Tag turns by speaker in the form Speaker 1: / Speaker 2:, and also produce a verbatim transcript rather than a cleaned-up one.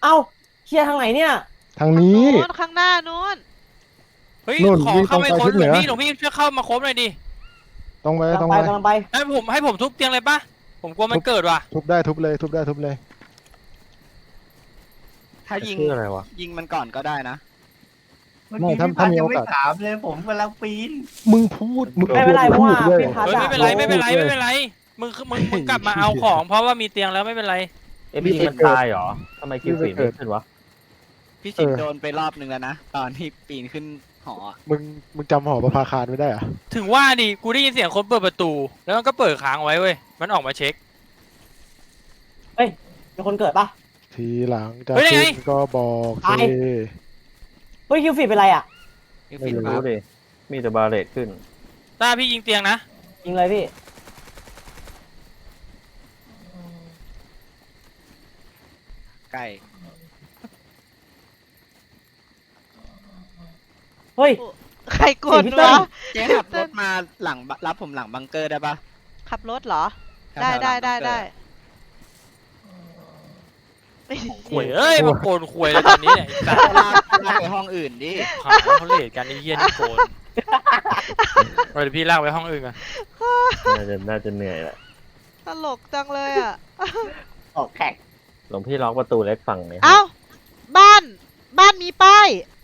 Speaker 1: เอ้าเคลียร์ทางไหนเนี่ย
Speaker 2: ทางนี้
Speaker 3: นู้นข้างหน้านู้น
Speaker 4: เฮ้ย
Speaker 2: นู่น
Speaker 4: ขอ
Speaker 2: วิ่ง
Speaker 4: เข้าไป
Speaker 2: ตรงไป
Speaker 4: ค้น
Speaker 2: ทิศ
Speaker 4: ห
Speaker 2: เห
Speaker 4: ล
Speaker 2: นื
Speaker 4: วง
Speaker 2: อ
Speaker 4: พี่หลวงพี่ช่วยเข้ามาค้นหน่อยดิ
Speaker 2: ตรงไป
Speaker 1: กำลั
Speaker 2: ตรง ง
Speaker 1: ไป
Speaker 2: ไป
Speaker 1: กำลังไป
Speaker 4: ให้ผมให้ผมทุบเตียงเลยปะผมกลัวมันเกิดว่ะ
Speaker 2: ทุบได้ทุบเลยทุบได้ทุบเลย
Speaker 5: ถ้ายิง
Speaker 6: ชื่ออะไรวะ
Speaker 5: ยิงมันก่อนก็ได้นะ
Speaker 7: เมื่อกี้พี่พัดยังไม่ถามเลยผมกำลังปีน
Speaker 2: มึงพูดมึง
Speaker 1: ไม่เป็นไรเพราะว่า
Speaker 2: พูดด้วย
Speaker 1: พี่พัด
Speaker 4: เฮ้ย
Speaker 1: อะ
Speaker 4: ไม่เป็นไรไม่เป็นไรไม่เป็นไรมึงมึงมึงกลับมาเอาของ เพราะว่ามีเตียงแล้วไม่เป็นไร
Speaker 6: เอ็มพีมันตายเหรอทำไมคิวฟีดไม่ขึ้นวะ
Speaker 5: พี่สิงห์โดนไปรอบนึงแล้วนะ ตอนที่ปีนขึ้นหออะ
Speaker 2: มึงมึงจำหอประภาคารไม่ได้เหรอะ
Speaker 4: ถึงว่าดิกูได้ยินเสียงคนเปิดประตู แล้วมันก็เปิดค้างไว้เว้ยมันออกมาเช็ค
Speaker 1: มีคนเกิดปะ
Speaker 2: ทีหลังจะ
Speaker 4: เฮ้ยยังไง
Speaker 2: ขึ้นก็บอก
Speaker 1: ตาย
Speaker 2: สิ
Speaker 1: เฮ้ยคิวฟีดเป็นไรอ่ะ
Speaker 5: พี่
Speaker 6: ไม่
Speaker 5: สิงห์ค
Speaker 6: รู้
Speaker 5: รับ
Speaker 6: ดิมีแต่บาเลตขึ้น
Speaker 4: ตาพี่ยิงเตียงนะ
Speaker 1: ยิงเลยพี่
Speaker 5: ใกล้
Speaker 1: เฮ้ย
Speaker 3: ใครกด
Speaker 1: เสียงพี่เติ้
Speaker 3: วะ
Speaker 1: ล
Speaker 5: เจ๊ขับรถมาหลังรับผมหลังบังเกอร์ได้ปะ
Speaker 3: ขับรถเหรอ
Speaker 5: แถวๆ
Speaker 3: ได้
Speaker 5: หลั
Speaker 3: ได้
Speaker 5: งบังเกอร์
Speaker 3: ได้ได้
Speaker 4: ขวยเอ้ยมาโกนขวยเลยตอนนี้เนี่ยไอ้สัตว์
Speaker 5: ลากลากไปห้องอื่นดิ
Speaker 4: หาเขาเลทกันไอ้เหี้ยนี่โกนเดี๋ยวพี่ลากไปห้องอื่นกัน
Speaker 6: น่าจะน่าจะเหนื่อยแหละ
Speaker 3: ตลกจังเลยอ่ะ
Speaker 1: ออกแขก
Speaker 6: หลวงพี่ล็อกประตูเล็กฝั่งเนี่ย
Speaker 3: เอ้า บ้าน บ้านมีป้าย